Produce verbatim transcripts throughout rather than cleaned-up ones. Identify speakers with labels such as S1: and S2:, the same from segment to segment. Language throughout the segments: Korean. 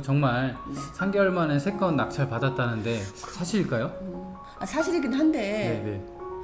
S1: 정말
S2: 네.
S1: 삼 개월 만에 세 건 낙찰 받았다는데 사실일까요?
S2: 음, 아, 사실이긴 한데
S1: 네네.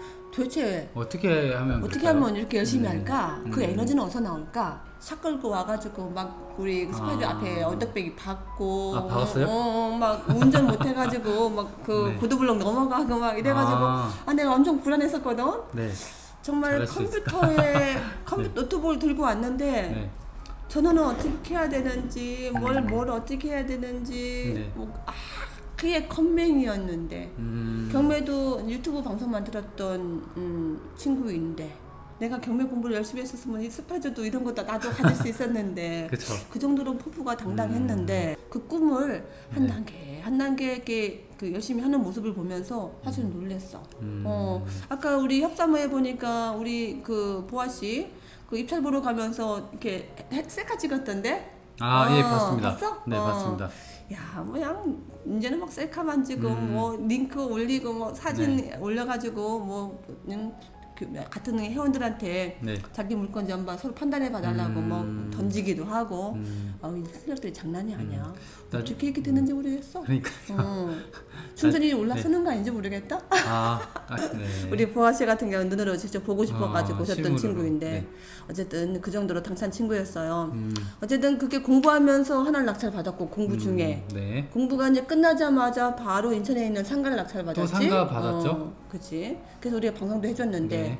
S2: 도대체
S1: 어떻게 하면
S2: 어떻게
S1: 될까요?
S2: 하면 이렇게 열심히
S1: 네.
S2: 할까? 그
S1: 음.
S2: 에너지는 어디서 나올까? 차 끌고 와가지고 막 우리 스파이더
S1: 아.
S2: 앞에 언덕배기 박고
S1: 아, 박았어요?
S2: 어, 어, 막 운전 못해가지고 막 그
S1: 네.
S2: 보도블록 넘어가고 막 이래가지고
S1: 아.
S2: 아, 내가 엄청 불안했었거든.
S1: 네.
S2: 정말
S1: 잘할 수 있을까?
S2: 컴퓨터에 컴퓨터 노트북을 들고 왔는데
S1: 네.
S2: 전화는 어떻게 해야 되는지 뭘
S1: 음.
S2: 뭘 어떻게 해야 되는지
S1: 네.
S2: 뭐, 아 그게 컴맹이었는데
S1: 음.
S2: 경매도 유튜브 방송만 들었던 음, 친구인데 내가 경매 공부를 열심히 했었으면 이 스파이저도 이런 거 다 나도 가질 수 있었는데
S1: 그쵸.
S2: 그 정도로 포부가 당당했는데 그 꿈을 한
S1: 네.
S2: 단계 한 단계 이렇게 그 열심히 하는 모습을 보면서 사실 놀랬어.
S1: 음.
S2: 어 아까 우리 협사모에 보니까 우리 그 보아 씨 그 입찰 보러 가면서 이렇게 해- 셀카 찍었던데?
S1: 아,
S2: 어,
S1: 예, 봤습니다.
S2: 봤어?
S1: 네,
S2: 어.
S1: 봤습니다.
S2: 야, 뭐양 이제는 막 셀카만 찍고
S1: 음.
S2: 뭐 링크 올리고 뭐 사진
S1: 네.
S2: 올려가지고 뭐 음, 그 같은 회원들한테
S1: 네.
S2: 자기 물건 전반 서로 판단해 봐달라고
S1: 음.
S2: 뭐 던지기도 하고.
S1: 음.
S2: 아, 이 실력들이 장난이 아니야.
S1: 나-
S2: 어떻게 이렇게 되는지 모르겠어.
S1: 그러니까.
S2: 어. 충전이 올라서는 거 아닌지 모르겠다.
S1: 아, 아 네.
S2: 우리 보아 씨 같은 경우는 눈으로 직접 보고 싶어가지고
S1: 아,
S2: 오셨던
S1: 실물으로.
S2: 친구인데
S1: 네.
S2: 어쨌든 그 정도로 당찬 친구였어요.
S1: 음.
S2: 어쨌든 그게 공부하면서 하나를 낙찰 받았고 공부 중에
S1: 음, 네.
S2: 공부가 이제 끝나자마자 바로 인천에 있는 상가를 낙찰 받았지.
S1: 상가 받았죠?
S2: 어, 그치. 그래서 우리가 방송도 해줬는데
S1: 네.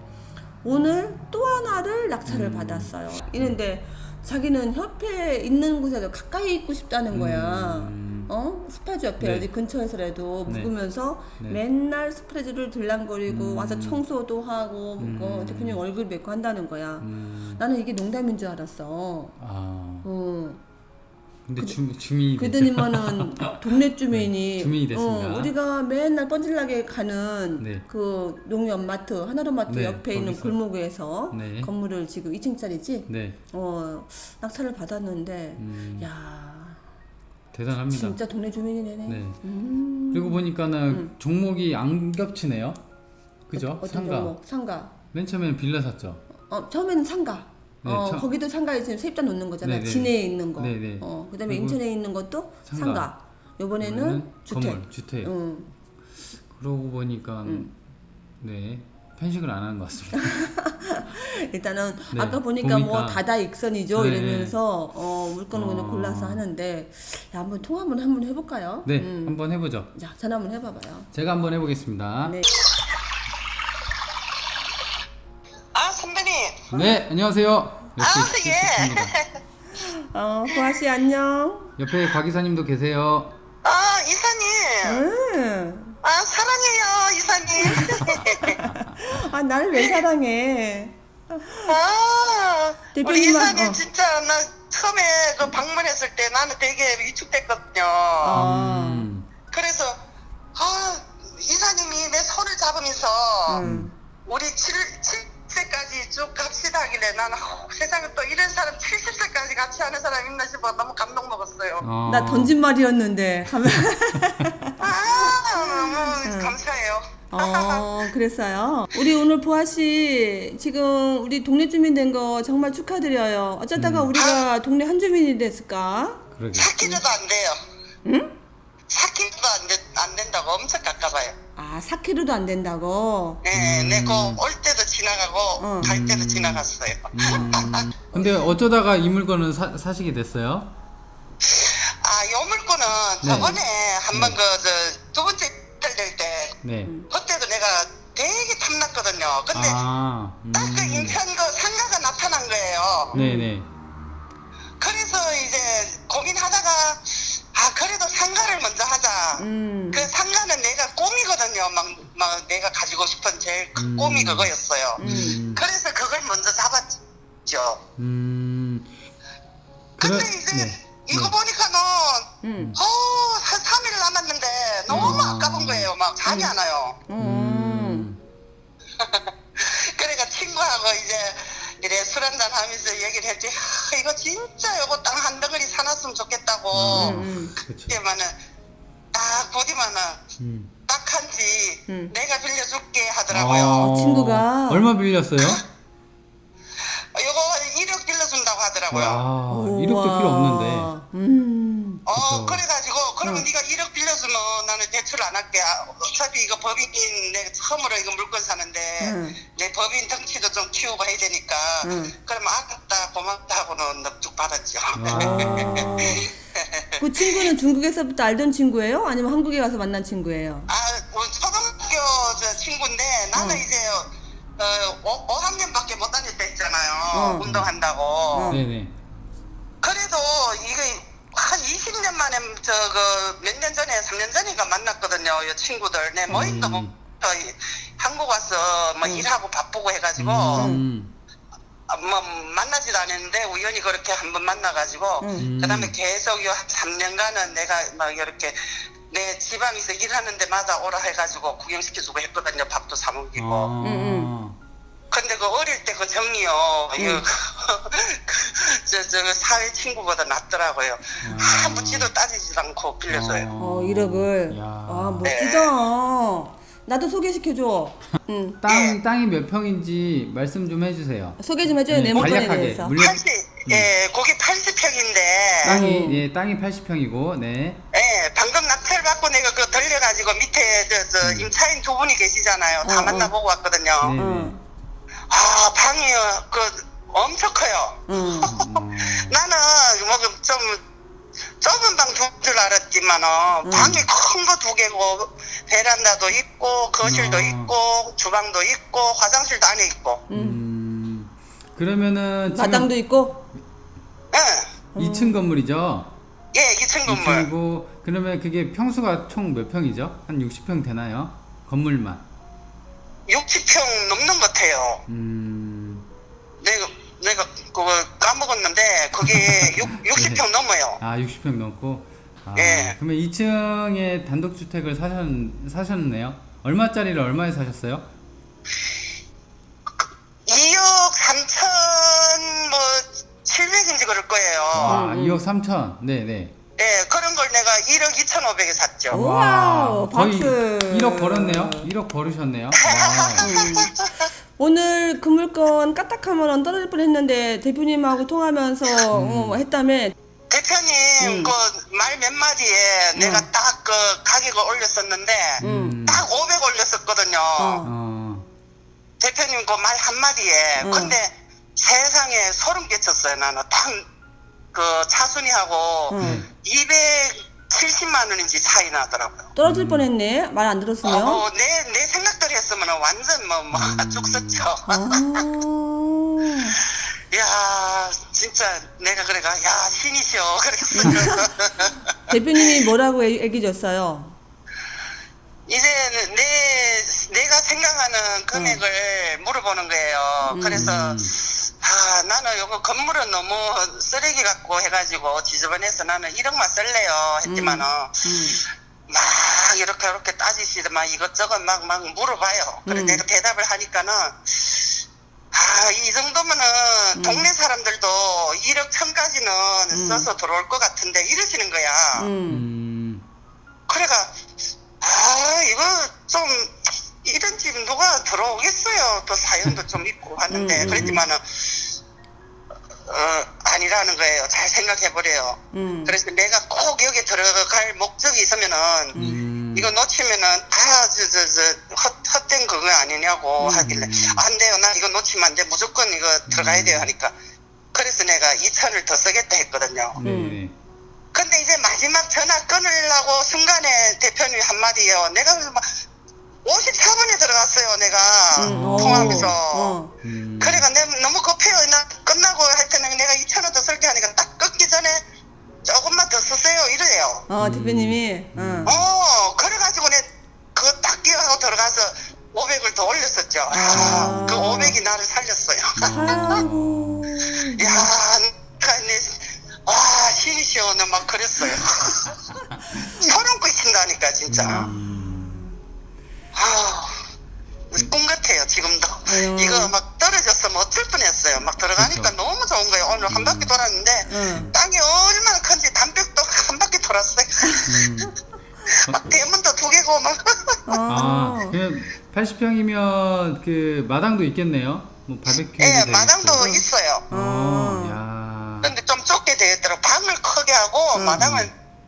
S2: 오늘 또 하나를 낙찰을
S1: 음.
S2: 받았어요. 이런데 자기는 협회에 있는 곳에도 가까이 있고 싶다는 거야.
S1: 음.
S2: 어? 스파이즈 옆에
S1: 네.
S2: 어디 근처에서라도
S1: 네.
S2: 묵으면서
S1: 네.
S2: 맨날 스프레드를 들랑거리고
S1: 음.
S2: 와서 청소도 하고
S1: 음.
S2: 뭐 대표님 얼굴 뵙고 한다는 거야.
S1: 음.
S2: 나는 이게 농담인 줄 알았어.
S1: 아.
S2: 어.
S1: 근데 주, 주민이 됐죠.
S2: 그러더니만은 동네 주민이
S1: 네, 주민이 됐습니다.
S2: 어, 우리가 맨날 뻔질나게 가는
S1: 네.
S2: 그 농협 마트 하나로마트
S1: 네,
S2: 옆에 있는
S1: 거기서.
S2: 골목에서
S1: 네.
S2: 건물을 지금 이 층짜리지
S1: 네.
S2: 어 낙찰을 받았는데
S1: 음.
S2: 야
S1: 대단합니다.
S2: 진짜 동네 주민이네.
S1: 네.
S2: 음.
S1: 그리고 보니까는
S2: 음.
S1: 종목이 안 겹치네요. 그죠?
S2: 어떤
S1: 상가.
S2: 종목? 상가.
S1: 맨 처음에는 빌라 샀죠.
S2: 어 처음에는 상가.
S1: 네,
S2: 어
S1: 처-
S2: 거기도 상가에 지금 세입자 놓는 거잖아.
S1: 네네.
S2: 진해에 있는 거.
S1: 네네.
S2: 어 그다음에
S1: 그리고
S2: 인천에 있는 것도
S1: 상가.
S2: 상가. 요번에는
S1: 이번에는
S2: 주택.
S1: 건물, 주택.
S2: 응.
S1: 그러고 보니까
S2: 음.
S1: 네 편식을 안 하는 것 같습니다.
S2: 일단은
S1: 네,
S2: 아까 보니까, 뭐
S1: 보니까.
S2: 다다익선이죠.
S1: 네.
S2: 이러면서 어 물건을 그냥
S1: 어.
S2: 골라서 하는데 야 한번 통화 한번 한번 해볼까요?
S1: 네,
S2: 음.
S1: 한번 해보죠.
S2: 자 전화 한번 해봐봐요.
S1: 제가 한번 해보겠습니다.
S2: 네.
S3: 아 선배님.
S1: 네, 안녕하세요. 역시
S3: 아,
S1: 실수입니다.
S2: 어 보아 씨 안녕.
S1: 옆에 박 이사님도 계세요.
S3: 아 이사님.
S2: 응.
S3: 아 사랑해요 이사님.
S2: 아 나를 왜 사랑해?
S3: 아 우리
S2: 대표님만-
S3: 이사님
S2: 어.
S3: 진짜 나 처음에 그 방문했을 때 나는 되게 위축됐거든요.
S2: 아.
S1: 음,
S3: 그래서 아 이사님이 내 손을 잡으면서
S2: 응.
S3: 우리 칠, 칠세까지 쭉 갑시다 하길래 나는 어, 세상에 또 이런 사람 칠십 세까지 같이 하는 사람 있나 싶어 너무 감동 먹었어요.
S1: 어,
S2: 나 던진 말이었는데 하면
S3: 아 너무 감사해요.
S2: 어 그랬어요. 우리 오늘 보아 씨 지금 우리 동네 주민 된 거 정말 축하드려요. 어쩌다가
S1: 음.
S2: 우리가 동네 한 주민이 됐을까?
S1: 그러게.
S3: 사 킬로도 안 돼요.
S2: 응?
S3: 사 킬로도 안, 된, 안 된다고 엄청 가까워요.
S2: 아 사 킬로미터도 안 된다고.
S3: 네,
S1: 음.
S3: 네, 그올 때도 지나가고
S2: 어.
S3: 갈 때도
S1: 음.
S3: 지나갔어요.
S1: 음, 근데 어쩌다가 이 물건을 사, 사시게 됐어요?
S3: 아, 요 물건은
S1: 네.
S3: 저번에 한번
S1: 네.
S3: 그 두 번째 탈될 때
S1: 네.
S3: 그때도 내가 되게 탐났거든요. 근데
S1: 아, 음.
S3: 딱 그 인천 그 상가가 나타난 거예요.
S1: 네네.
S3: 그래서 이제 고민하다가 아 그래도 상가를 먼저 하자.
S2: 음.
S3: 그 상가는 내가 꿈이거든요. 막, 막 내가 가지고 싶은 제일 큰
S1: 음.
S3: 꿈이 그거였어요.
S1: 음.
S3: 그래서 그걸 먼저 잡았죠.
S1: 음.
S3: 근데
S1: 그래-
S3: 이제
S1: 네.
S3: 이거
S1: 네.
S3: 보니까는
S2: 음.
S3: 어, 한 삼 일 남았는데 너무
S1: 아.
S3: 아까운 거예요. 막 잠이 안 와요.
S2: 음.
S3: 그러니까 친구하고 이제 이래 술 한잔 하면서 얘기를 했지. 아, 이거 진짜 요거 땅 한 덩어리 사놨으면 좋겠다고.
S2: 음, 음.
S1: 그렇죠.
S3: 그때만은 딱 보디만은
S1: 음.
S3: 딱한지
S2: 음.
S3: 내가 빌려줄게 하더라고요.
S2: 어, 친구가?
S1: 얼마 빌렸어요?
S3: 요거 일억 빌려준다고 하더라고요.
S1: 와,
S2: 우와.
S1: 일억도 필요 없는데.
S2: 음.
S3: 어, 어,
S1: 그쵸.
S3: 그래가지고, 그러면
S2: 응.
S3: 네가 일억 빌려주면 나는 대출 안 할게. 아, 어차피 이거 법인, 내가 처음으로 이거 물건 사는데,
S2: 응.
S3: 내 법인 덩치도 좀 키우고 해야 되니까,
S2: 응.
S3: 그러면 아깝다, 고맙다 하고는 넉죽 받았죠.
S2: 어. 그 친구는 중국에서부터 알던 친구예요? 아니면 한국에 가서 만난 친구예요?
S3: 아, 우리 초등학교 저 친구인데, 나는
S2: 응.
S3: 이제, 어, 오 학년밖에 못 다녔다 했잖아요.
S2: 응.
S3: 운동한다고.
S2: 응.
S1: 네네.
S3: 그래도 이게 한 이십 년 만에 저그 몇 년 전에 삼 년 전인가 만났거든요. 이 친구들 내 모임도 뭐
S1: 음.
S3: 저 한국 와서 뭐
S2: 음.
S3: 일하고 바쁘고 해가지고
S1: 음.
S3: 아, 뭐 만나지도 않았는데 우연히 그렇게 한번 만나가지고
S2: 응.
S3: 그다음에 계속 요 삼 년간은 내가 막 이렇게 내 지방에서 일하는 데마다 오라 해가지고 구경시켜주고 했거든요. 밥도 사 먹이고.
S1: 아.
S2: 응,
S3: 근데 그 어릴 때 그 정이요,
S2: 응.
S3: 이거 저, 저 사회 친구보다 낫더라고요.
S1: 아.
S3: 아무 지도 따지지도 않고 빌려줘요.
S2: 어, 일억을.
S1: 야.
S2: 아, 멋지다. 나도 소개시켜줘. 응.
S1: 땅 땅이 몇 평인지 말씀 좀 해주세요.
S2: 소개 좀 해줘요,
S1: 네,
S2: 내 물건에
S1: 간략하게.
S2: 대해서.
S1: 물론
S3: 팔십, 예, 거기 팔십 평인데,
S1: 땅이
S2: 음.
S1: 예 땅이 팔십 평이고 네.
S3: 예, 방금 낙찰 받고 내가 그 들려가지고 밑에 저, 저 임차인 두 분이 계시잖아요. 다
S2: 어, 어.
S3: 만나보고 왔거든요.
S1: 네.
S2: 응.
S3: 아, 방이 그 엄청 커요.
S2: 응.
S1: 어.
S3: 나는 뭐 좀 좁은 방 두 줄 알았지만은
S2: 음.
S3: 방이 큰 거 두 개고 베란다도 있고 거실도
S1: 음.
S3: 있고 주방도 있고 화장실도 안에 있고.
S1: 음. 그러면은 지금
S2: 마당도 있고.
S3: 예,
S1: 이 층 건물이죠?
S3: 예, 이 층 건물.
S1: 이 층이고 그러면 그게 평수가 총 몇 평이죠? 한 육십 평 되나요? 건물만.
S3: 육십 평 넘는 것 같아요.
S1: 음.
S3: 내가 내가 그거 까먹었는데 그게 육십 평 넘어요.
S1: 아, 육십 평 넘고. 아,
S3: 예.
S1: 그러면 이 층에 단독 주택을 사셨 사셨네요. 얼마짜리를 얼마에 사셨어요?
S3: 이억 삼천 뭐 칠백인지 그럴 거예요.
S1: 아,
S2: 음.
S1: 이억 삼천. 네, 네.
S3: 예, 그런 걸 내가 일억 이천오백에 샀죠.
S2: 오. 와우,
S1: 거의
S2: 박수.
S1: 일억 벌었네요. 일억 벌으셨네요. 와.
S2: 음. 오늘 그 물건 까딱하면 떨어질 뻔했는데 대표님하고 통하면서 어, 했다며.
S3: 대표님
S2: 음.
S3: 그 말 몇 마디에 내가
S2: 음.
S3: 딱 그 가격을 올렸었는데
S1: 음.
S3: 딱 오백 올렸었거든요.
S2: 어.
S1: 어.
S3: 대표님 그 말 한마디에
S2: 음.
S3: 근데 세상에 소름 끼쳤어요. 나는 딱 그 차순이하고
S2: 음.
S3: 이백칠십만 원인지 차이 나더라고요.
S2: 떨어질 뻔했네. 말 안 들었으면.
S3: 어, 내, 내 생각대로 했으면 완전 뭐, 뭐,
S1: 음.
S3: 쭉 썼죠.
S2: 아.
S3: 야 진짜 내가 그래가, 야, 신이시여. 그랬어요.
S2: 대표님이 뭐라고 얘- 얘기 줬어요?
S3: 이제 내, 내가 생각하는 금액을 물어보는 거예요.
S2: 음.
S3: 그래서,
S1: 음.
S3: 아, 나는 요거 건물은 너무 쓰레기 같고 해가지고 지저분해서 나는 일억만 쓸래요. 했지만은,
S2: 음.
S3: 막 이렇게 이렇게 따지시더만 이것저것 막, 막 물어봐요. 그래
S2: 음.
S3: 내가 대답을 하니까는, 아, 이 정도면은
S2: 음.
S3: 동네 사람들도 일억 천까지는
S2: 음.
S3: 써서 들어올 것 같은데 이러시는 거야.
S2: 음.
S1: 음.
S3: 그래가, 아, 이거 좀, 이런 집 누가 들어오겠어요. 또 사연도 좀 있고 하는데,
S2: 음, 음,
S3: 그랬지만은, 어, 아니라는 거예요. 잘 생각해보래요.
S2: 음.
S3: 그래서 내가 꼭 여기 들어갈 목적이 있으면은,
S1: 음.
S3: 이거 놓치면은 다, 저, 저, 저, 헛, 헛된 그거 아니냐고
S2: 음.
S3: 하길래, 안 돼요. 나 이거 놓치면 안 돼. 무조건 이거 들어가야 돼요. 하니까. 그래서 내가 이천을 더 쓰겠다 했거든요.
S1: 네,
S2: 음.
S1: 네.
S3: 근데 이제 마지막 전화 끊으려고 순간에 대표님이 한마디요. 내가 막 오십사 분에 들어갔어요. 내가
S2: 음.
S3: 통화하면서.
S2: 어.
S1: 음.
S3: 그래가 내 너무 급해요. 나 끝나고 할 때는 내가 이천 원 더 쓸게 하니까 딱 끊기 전에 조금만 더 쓰세요. 이래요.
S2: 어, 대표님이. 어.
S3: 어, 그래가지고 내 그거 딱 끼워하고 들어가서 오백을 더 올렸었죠. 아,
S2: 아.
S3: 그 오백이 나를 살렸어요.
S2: 아이고.
S3: 야, 내가 내, 와, 신이시여. 나 막 그랬어요. 소름 끼친다니까, 진짜.
S1: 음.
S3: 아, 꿈 같아요, 지금도.
S2: 음.
S3: 이거 막 떨어졌으면 어쩔 뻔했어요. 막 들어가니까
S1: 그쵸.
S3: 너무 좋은 거예요. 오늘 한 바퀴 돌았는데,
S2: 음.
S3: 땅이 얼마나 큰지 담백도 한 바퀴 돌았어요.
S1: 음.
S3: 막 대문도 두 개고, 막.
S2: 어.
S1: 아, 그럼 팔십 평이면 그 마당도 있겠네요. 뭐 바베큐.
S3: 예, 마당도 있어요.
S1: 어, 야.
S3: 근데 좀 좁게 되어 있더라고. 방을 크게 하고,
S2: 음.
S3: 마당을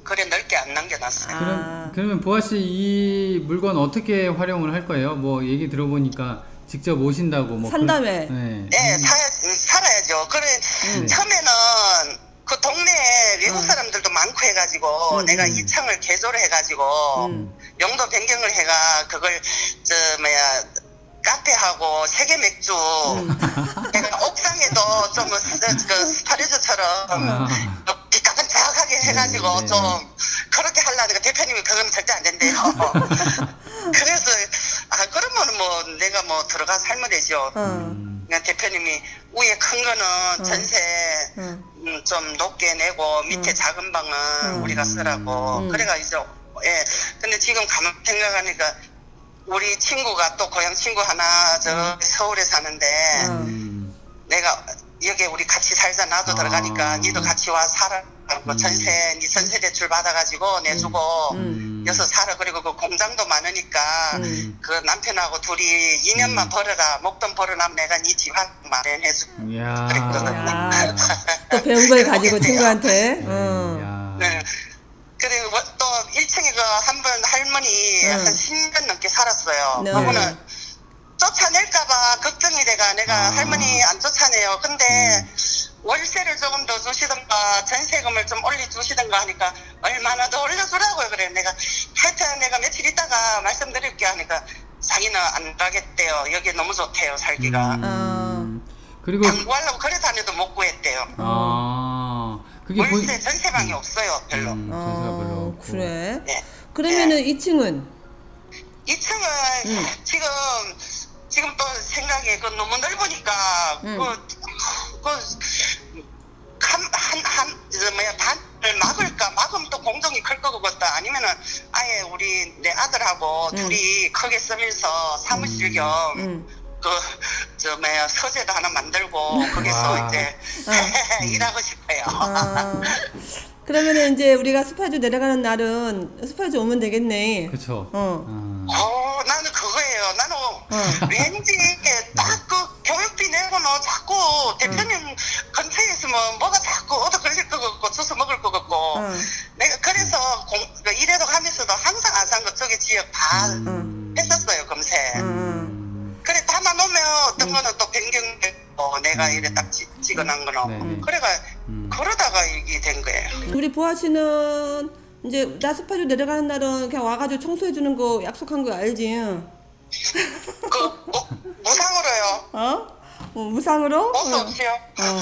S3: 그래 넓게 안 남겨놨어요.
S2: 아.
S1: 그럼 그러면 보아 씨 이 물건 어떻게 활용을 할 거예요? 뭐 얘기 들어보니까 직접 오신다고 뭐
S2: 산 다음에.
S1: 그, 네.
S3: 네, 사, 살아야죠. 그래,
S2: 음.
S3: 처음에는 그 동네에 외국
S2: 음.
S3: 사람들도 많고 해가지고
S2: 음,
S3: 내가
S2: 음.
S3: 이 층을 개조를 해가지고
S2: 음.
S3: 용도 변경을 해가 그걸 저 뭐야 카페하고 세계 맥주
S2: 음.
S3: 내가 옥상에도 좀 스- 그 스파리즈처럼
S1: 아.
S3: 비까번쩍하게 해가지고
S1: 네, 네.
S3: 좀 그렇게 하려니까 대표님이 그건 절대 안 된대요. 그래서 아 그러면 뭐 내가 뭐 들어가서 살면 되죠.
S2: 어.
S1: 음.
S3: 그냥 대표님이 위에 큰 거는
S2: 어.
S3: 전세
S2: 어.
S3: 음, 좀 높게 내고 밑에
S2: 음.
S3: 작은 방은
S2: 음.
S3: 우리가 쓰라고
S2: 음.
S3: 그래가지고 예 근데 지금 가만 생각하니까 우리 친구가 또 고향 친구 하나 저 서울에 사는데
S2: 음.
S1: 음.
S3: 내가 여기 우리 같이 살자 나도
S1: 아.
S3: 들어가니까 니도 같이 와 살아 뭐
S1: 음.
S3: 전세 니 전세 대출 받아가지고 내주고
S2: 음.
S3: 여기서 살아 그리고 그 공장도 많으니까
S2: 음.
S3: 그 남편하고 둘이 이 년만
S1: 음.
S3: 벌어라 목돈 벌어나면 내가 니 집 한 마련해줘.
S1: 이야.
S2: 야. 또 배운 걸 가지고 친구한테. 어.
S1: 이야.
S3: 네. 그리고 뭐 또 일 층에 그 한 번 할머니
S2: 응.
S3: 한 십 년 넘게 살았어요.
S2: 네.
S3: 그거는 쫓아낼까봐 걱정이 돼가 내가
S1: 아.
S3: 할머니 안 쫓아내요. 근데 월세를 조금 더 주시던가 전세금을 좀 올려주시던가 하니까 얼마나 더 올려주라고요. 그래 내가 하여튼 내가 며칠 있다가 말씀드릴게 하니까 자기는 안 가겠대요. 여기 너무 좋대요 살기가.
S1: 음. 그리고
S3: 당구하려고 그래 다녀도 못 구했대요.
S1: 아 그게 보-
S3: 월세 전세방이 없어요 별로.
S1: 음, 전세가 별로
S2: 어,
S1: 없고.
S2: 그래.
S3: 네.
S2: 그러면은 이 층은
S3: 이 층은
S2: 음.
S3: 지금 지금 또 생각에 그 너무 넓으니까
S2: 음.
S3: 그그한한 뭐야 반을 막을까 막으면 또 공동이 클 거겠다 아니면은 아예 우리 내 아들하고
S2: 음.
S3: 둘이 크게 쓰면서 사무실 겸
S2: 음.
S3: 그 저 뭐야 서재도 하나 만들고 거기서
S1: 와.
S3: 이제
S2: 어.
S3: 일하고 싶어요.
S2: 아. 그러면은 이제 우리가 스파주 내려가는 날은 스파주 오면 되겠네.
S1: 그쵸.
S2: 어.
S1: 아.
S3: 어, 나는 그거예요. 나는
S2: 어.
S3: 왠지 이게 딱 그 교육비 내고는 자꾸 대표님 근처에 있으면 뭐가 자꾸 얻어 걸릴 것 같고 주워 먹을 것 같고
S2: 어.
S3: 내가 그래서 공, 그 일해도 하면서도 항상 안산 그쪽에 지역 다
S1: 음.
S3: 했었어요 검색.
S2: 음.
S3: 그래 담아놓으면 어떤 거는 또 변경되고 내가 이래 딱 지, 찍어놓은 거는
S1: 네네.
S3: 그래가
S1: 음.
S3: 그러다가 이게 된 거예요.
S2: 우리 보아 씨는 이제 나 스파주 내려가는 날은 그냥 와가지고 청소해 주는 거 약속한 거 알지?
S3: 그 뭐, 무상으로요.
S2: 어? 어 무상으로?
S3: 옷
S2: 어.
S3: 없이요.
S2: 어.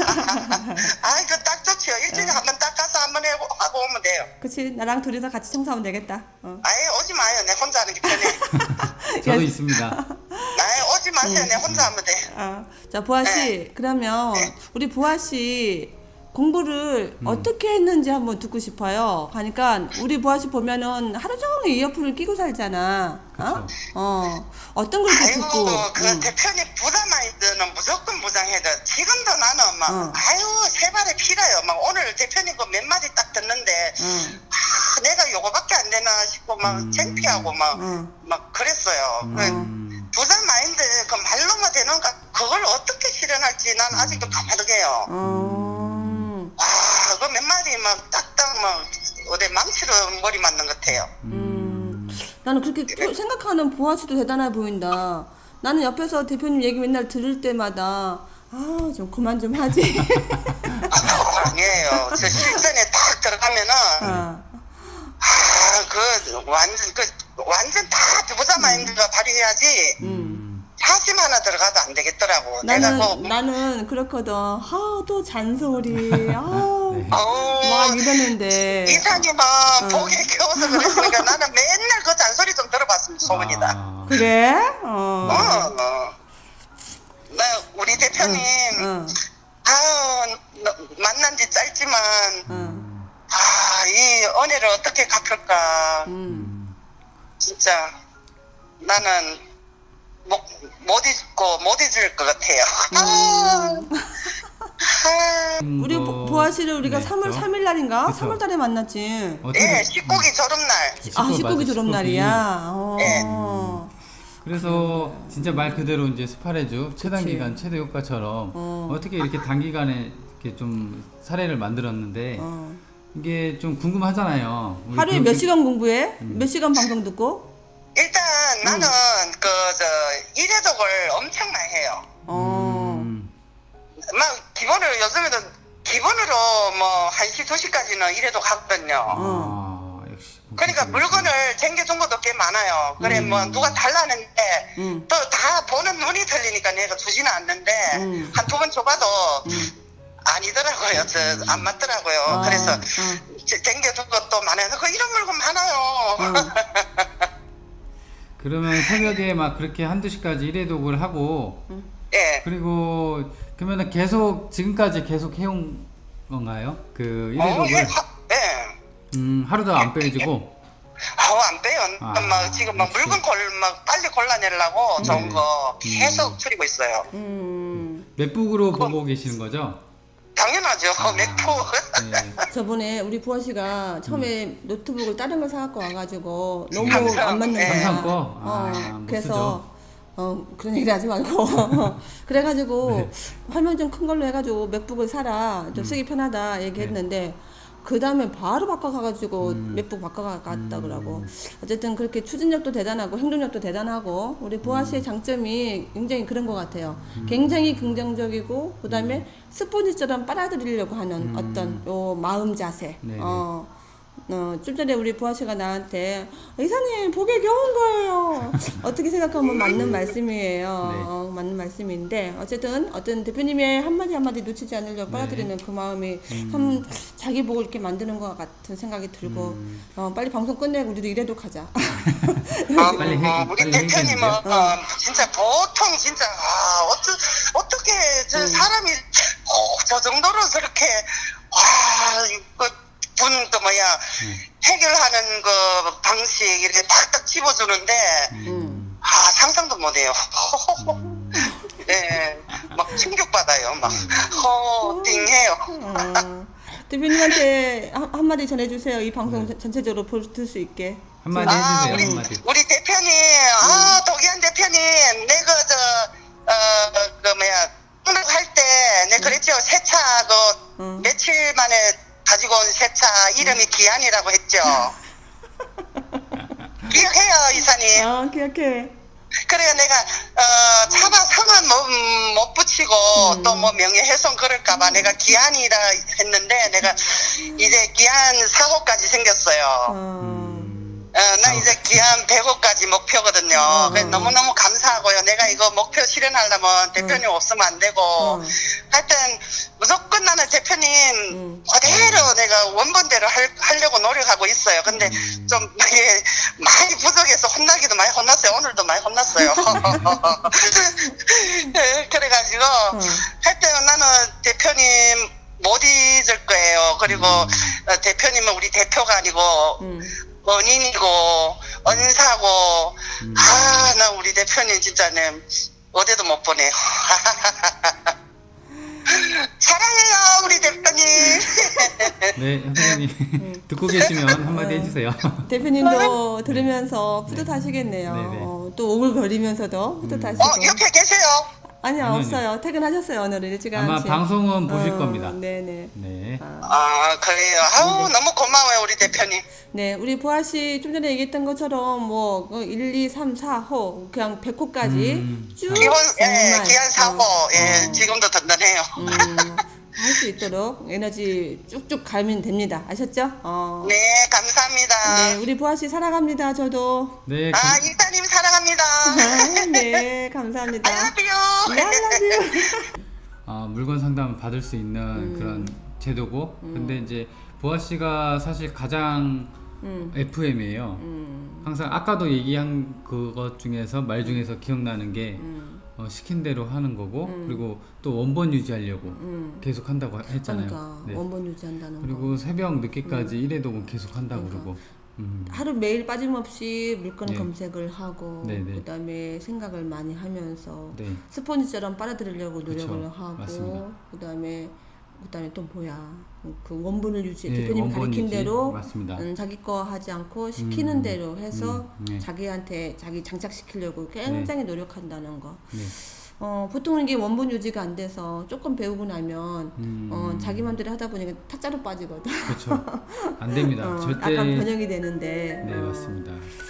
S3: 아, 이거 딱 좋죠. 일주일에 한 번 닦아서 한 번 하고, 하고 오면 돼요.
S2: 그치 나랑 둘이서 같이 청소하면 되겠다. 어.
S3: 아예 오지 마요. 내 혼자 하는 게 편해.
S1: 저도 있습니다.
S3: 아예 오지 마세요. 내 혼자 하면 돼.
S2: 아, 자 보아 씨 그러면
S3: 네.
S2: 우리 보아 씨 공부를
S1: 음.
S2: 어떻게 했는지 한번 듣고 싶어요. 그러니까 우리 보아 씨 보면은 하루 종일 이어폰을 끼고 살잖아. 어? 어. 어떤 걸 이렇게
S3: 아이고,
S2: 듣고?
S3: 그
S2: 응.
S3: 대표님 부담 마인드는 무조건 무장해야 돼. 지금도 나는 막,
S2: 응.
S3: 아유, 세 발에 피라요. 막 오늘 대표님 그 몇 마디 딱 듣는데,
S2: 응.
S3: 아, 내가 요거밖에 안 되나 싶고, 막
S1: 음.
S3: 창피하고, 막,
S2: 응.
S3: 막 그랬어요. 그
S1: 음.
S3: 부담 마인드, 그 말로만 되는가, 그걸 어떻게 실현할지 난 아직도 가마득해요.
S2: 어.
S3: 아, 그 몇 마디 막 딱딱 막 어디 망치로 머리 맞는 것 같아요.
S2: 음. 나는 그렇게 표- 생각하는 보아 씨도 대단해 보인다. 나는 옆에서 대표님 얘기 맨날 들을 때마다 아, 좀 그만 좀 하지.
S3: 아, 아니에요. 저 실전에 딱 들어가면은
S2: 아.
S3: 아, 그 완전 그 완전 다 부자 마인드가 발휘해야지.
S2: 음.
S3: 사심 하나 들어가도 안 되겠더라고. 내가
S2: 나는
S3: 뭐
S2: 나는 그렇거든. 아, 또 잔소리. 아.
S1: 네.
S3: 어우,
S2: 막 이러는데.
S3: 이사님은
S2: 응.
S3: 보기에 겨워서 그랬으니까 나는 맨날 그 잔소리 좀 들어봤습니다. 소문이다.
S1: 아.
S2: 그래? 어.
S3: 어, 어. 나 우리 대표님
S2: 응.
S3: 아우 너- 만난 지 짧지만
S2: 응.
S3: 아, 이 은혜를 어떻게 갚을까.
S2: 음.
S3: 진짜 나는 못, 못 잊고 못 잊을 것 같아요. 아, 아,
S2: 우리 보- 보아 씨를 우리가
S1: 네,
S2: 삼월
S1: 저-
S2: 삼 일 날인가?
S1: 그쵸.
S2: 삼월 달에 만났지.
S1: 어떻게
S3: 예, 십고기 졸업날.
S2: 아,
S1: 십구,
S2: 십구기
S1: 맞아,
S2: 졸업 날이야. 어.
S3: 네.
S1: 그래서 진짜 말 그대로 이제 스파레주 최단
S2: 그치.
S1: 기간 최대 효과처럼
S2: 어.
S1: 어. 떻게 이렇게 단기간에 이렇게 좀 사례를 만들었는데
S2: 어.
S1: 이게 좀 궁금하잖아요. 우리
S2: 하루에
S1: 교육-
S2: 몇 시간 공부해?
S1: 음.
S2: 몇 시간 방송 듣고?
S3: 일단 나는 그 저 일회독을 엄청 많이 해요.
S2: 어.
S1: 음,
S3: 막 기본으로 요즘에도 기본으로 뭐 한 시, 두 시까지는 일회독 하거든요.
S1: 아, 역시.
S3: 그러니까 물건을 챙겨준 것도 꽤 많아요. 그래
S1: 음.
S3: 뭐 누가 달라는데
S2: 음.
S3: 또 다 보는 눈이 틀리니까 내가 주지는 않는데
S2: 음.
S3: 한 두 번 줘봐도 아니더라고요. 저 안 맞더라고요.
S2: 아,
S3: 그래서
S2: 어.
S3: 챙겨준 것도 많아요. 그 이런 물건 많아요.
S2: 어.
S1: 그러면 새벽에 막 그렇게 한두 시까지 일회독을 하고
S3: 예.
S1: 그리고 그러면은 계속 지금까지 계속 해온 건가요? 그
S3: 어, 예.
S1: 일회독을
S3: 하, 예.
S1: 음, 하루도 안 빼지고
S3: 아우 안 빼요.
S1: 아,
S3: 막 지금 막
S1: 역시.
S3: 물건 골 막 빨리 골라내려고 좋은
S1: 네네.
S3: 거 계속 추리고 있어요.
S2: 음.
S1: 맵북으로 보고 계시는 거죠?
S3: 당연하죠.
S1: 아,
S3: 맥포.
S1: 네.
S2: 저번에 우리 부하 씨가 처음에 노트북을 다른 걸 사갖고 와가지고 너무
S3: 삼성,
S2: 안 맞는
S3: 네.
S2: 거야.
S1: 삼성 거?
S2: 어,
S1: 아, 못
S2: 그래서 어 그런 얘기 하지 말고 그래가지고 화면 좀 큰 걸로 해가지고 맥북을 사라 좀 쓰기 편하다 얘기했는데 그 다음에 바로 바꿔가가지고 맥북 바꿔갔다 그러고 어쨌든 그렇게 추진력도 대단하고 행동력도 대단하고 우리 보아 씨의 장점이 굉장히 그런 것 같아요. 굉장히 긍정적이고 그 다음에 스포니처럼 빨아들이려고 하는 어떤 요 마음 자세.
S1: 네네.
S2: 어, 어, 좀 전에 우리 보아 씨가 나한테 이사님 보기에 겨운 거예요. 어떻게 생각하면 맞는 말씀이에요.
S1: 네.
S2: 어, 맞는 말씀인데 어쨌든 어떤 대표님의 한마디 한마디 놓치지 않으려고
S1: 네.
S2: 빨아들이는 그 마음이 참 자기 보고 이렇게 만드는 것 같은 생각이 들고
S1: 음.
S2: 어, 빨리 방송 끝내고 우리도 일해도 가자.
S3: 아,
S1: 빨리 해-
S3: 어, 우리
S1: 빨리
S3: 대표님은
S1: 해야겠는데요?
S3: 어, 진짜 보통 진짜 아, 어쩌, 어떻게 저
S2: 음.
S3: 사람이 어, 저 정도로 저렇게 와, 그 분그 뭐야 해결하는 그 방식 이렇게 탁탁 집어주는데
S2: 음.
S3: 아 상상도 못해요. 네, 막 충격 받아요. 막 허띵해요.
S2: 어, 대표님한테 한, 한마디 전해주세요. 이 방송 전- 전체적으로 볼 수 있게.
S1: 한마디
S3: 아,
S1: 해주세요.
S3: 우리,
S1: 한마디.
S3: 우리 대표님, 아, 도기한 대표님, 내가 저, 어, 그 뭐야, 등록할 때, 내가 그랬죠. 새 차, 그,
S2: 응.
S3: 며칠 만에 가지고 온 새 차 이름이 기한이라고 했죠. 기억해요, 이사님.
S2: 아 기억해.
S3: 그래요, 내가, 어, 차마 성은 못, 음, 못 붙이고, 또 뭐 명예훼손 그럴까봐 내가 기한이라 했는데, 내가 이제 기한 사 호까지 생겼어요.
S2: 어,
S3: 어, 나 이제 기한 백 호까지 목표거든요.
S2: 어,
S3: 그래서
S2: 어.
S3: 너무너무 감사하고요. 내가 이거 목표 실현하려면 대표님 없으면 안 되고.
S2: 어.
S3: 하여튼, 무조건 나는 대표님
S2: 음.
S3: 그대로 내가 원본대로 할, 하려고 노력하고 있어요. 근데 좀 이게 많이 부족해서 혼나기도 많이 혼났어요. 오늘도 많이 혼났어요. 네, 그래가지고, 하여튼 나는 대표님 못 잊을 거예요. 그리고 어, 대표님은 우리 대표가 아니고,
S2: 음.
S3: 은인이고 은사고 아 나 우리 대표님 진짜 네 어디도 못 보내요. 사랑해요 우리 대표님.
S1: 네, 선생님 듣고 계시면 한마디 해주세요.
S2: 대표님도 들으면서 뿌듯하시겠네요.
S1: 네네.
S2: 어, 또 오글거리면서도 뿌듯하시고.
S3: 어 옆에 계세요.
S2: 아니요,
S1: 아니요,
S2: 없어요. 퇴근하셨어요, 오늘은 일찍
S1: 아마
S2: 아침.
S1: 방송은 보실
S2: 어,
S1: 겁니다.
S2: 네네.
S1: 네.
S3: 아 그래요. 아우 너무 고마워요 우리 대표님.
S2: 네, 우리 보아 씨 좀 전에 얘기했던 것처럼 뭐 일, 이, 삼, 사 호 그냥 백 호까지
S1: 음,
S2: 쭉
S3: 기본 예
S2: 정말,
S3: 기한 사고
S2: 어,
S3: 예
S2: 어,
S3: 지금도 든든해요.
S2: 음, 할 수 있도록 에너지 쭉쭉 가면 됩니다. 아셨죠? 어.
S3: 네 감사합니다.
S2: 네, 우리 보아 씨 사랑합니다. 저도.
S1: 네,
S3: 아
S1: 감-
S3: 일단님 사랑합니다.
S2: 아, 네, 감사합니다.
S3: I love you.
S2: 네, I love you.
S1: 아, 물건 상담을 받을 수 있는
S2: 음.
S1: 그런 제도고, 근데 이제 보아 씨가 사실 가장
S2: 음.
S1: 에프엠이에요.
S2: 음.
S1: 항상 아까도 얘기한 그것 중에서 말 중에서 기억나는 게
S2: 음.
S1: 어, 시킨 대로 하는 거고, 그리고 또 원본 유지하려고
S2: 음.
S1: 계속 한다고 했잖아요.
S2: 그러니까
S1: 네.
S2: 원본 유지한다는 거.
S1: 그리고 새벽 늦게까지 일회독은 계속 한다고
S2: 그러니까.
S1: 그러고. 음.
S2: 하루 매일 빠짐없이 물건
S1: 네.
S2: 검색을 하고
S1: 네네.
S2: 그다음에 생각을 많이 하면서
S1: 네.
S2: 스펀지처럼 빨아들이려고 노력을
S1: 그쵸.
S2: 하고
S1: 맞습니다.
S2: 그다음에 그다음에 또 뭐야 그 원본을 유지
S1: 네,
S2: 대표님
S1: 원본
S2: 가르친
S1: 유지.
S2: 대로
S1: 맞습니다.
S2: 음, 자기 거 하지 않고 시키는
S1: 음,
S2: 대로 해서
S1: 음, 네.
S2: 자기한테 자기 장착시키려고 굉장히 노력한다는 거.
S1: 네.
S2: 어, 보통은 이게 원본 유지가 안 돼서 조금 배우고 나면
S1: 음.
S2: 어, 자기 맘대로 하다 보니까 타짜로 빠지거든.
S1: 그렇죠. 안 됩니다.
S2: 어,
S1: 절대.
S2: 약간 변형이 되는데.
S1: 네,
S2: 어,
S1: 맞습니다.